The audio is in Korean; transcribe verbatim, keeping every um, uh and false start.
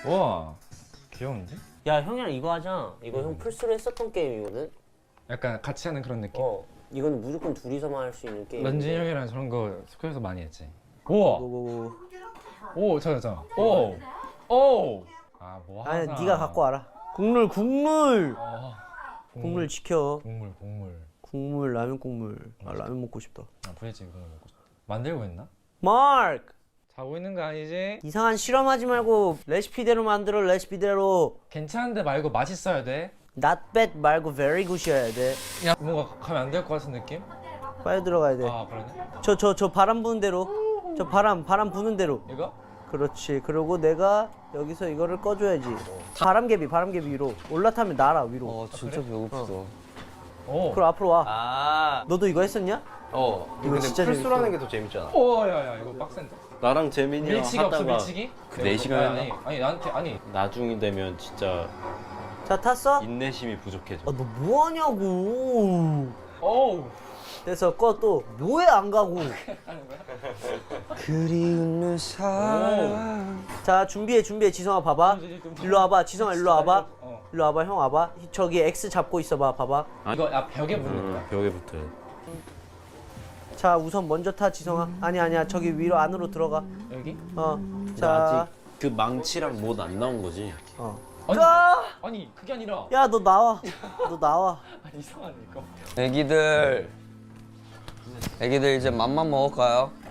우와 귀여운데? 야 형이랑 이거 하자. 이거 형 플스로 했었던 게임이거든. 약간 같이 하는 그런 느낌? 어 이거는 무조건 둘이서만 할 수 있는 게임. 런쥔이 형이랑 저런 거 스쿨에서 많이 했지. 우와. 오. 오 저저 저. 오. 오. 아뭐 하나. 아니 네가 갖고 와라. 국물 국물. 어. 국물 지켜. 국물 국물. 국물 라면 국물. 아 라면 먹고 싶다. 아 부대찌개 국물 먹고 싶다. 만들고 있나? 마크. 자고 있는 거 아니지? 이상한 실험하지 말고 레시피대로 만들어 레시피대로. 괜찮은데 말고 맛있어야 돼. Not bad 말고 very good이어야 돼. 야 뭔가 가면 안 될 것 같은 느낌? 빨리 들어가야 돼. 아 그러네. 저 저 저 바람 부는 대로. 저 바람 바람 부는 대로. 이거? 그렇지. 그리고 내가 여기서 이거를 꺼줘야지. 바람개비 바람개비 위로 올라타면 날아 위로. 어 진짜 그래? 배고프다. 오. 그럼 앞으로 와. 아, 너도 이거 했었냐? 어. 이거 근데 진짜 풀스라는 게 더 재밌잖아. 오 야야 이거 빡센데. 나랑 재민이랑 밀치기 없어 하다가 밀치기? 그 네 시간 아니, 아니 아니 나한테 아니 나중이 되면 진짜 자 탔어? 인내심이 부족해져. 아 너 뭐하냐고. 오우. 그래서 꺼 또 뭐해 안 가고. 그리운 내 사랑. 자 준비해 준비해 지성아 봐봐. 일로 와봐 지성아 일로 와봐. 어. 일로 와봐 형 와봐. 저기 X 잡고 있어봐 봐봐. 이거 야 벽에 붙는 응, 거야. 벽에 붙어요. 자 우선 먼저 타 지성아. 아니 아니야 저기 위로 안으로 들어가. 여기? 어. 자. 아직 그 망치랑 못 안 나온 거지. 어. 아니, 아! 아니 그게 아니라 야 너 나와. 너 나와. 아니 이상하네 이거. 애기들, 애기들 이제 맘만 먹을까요?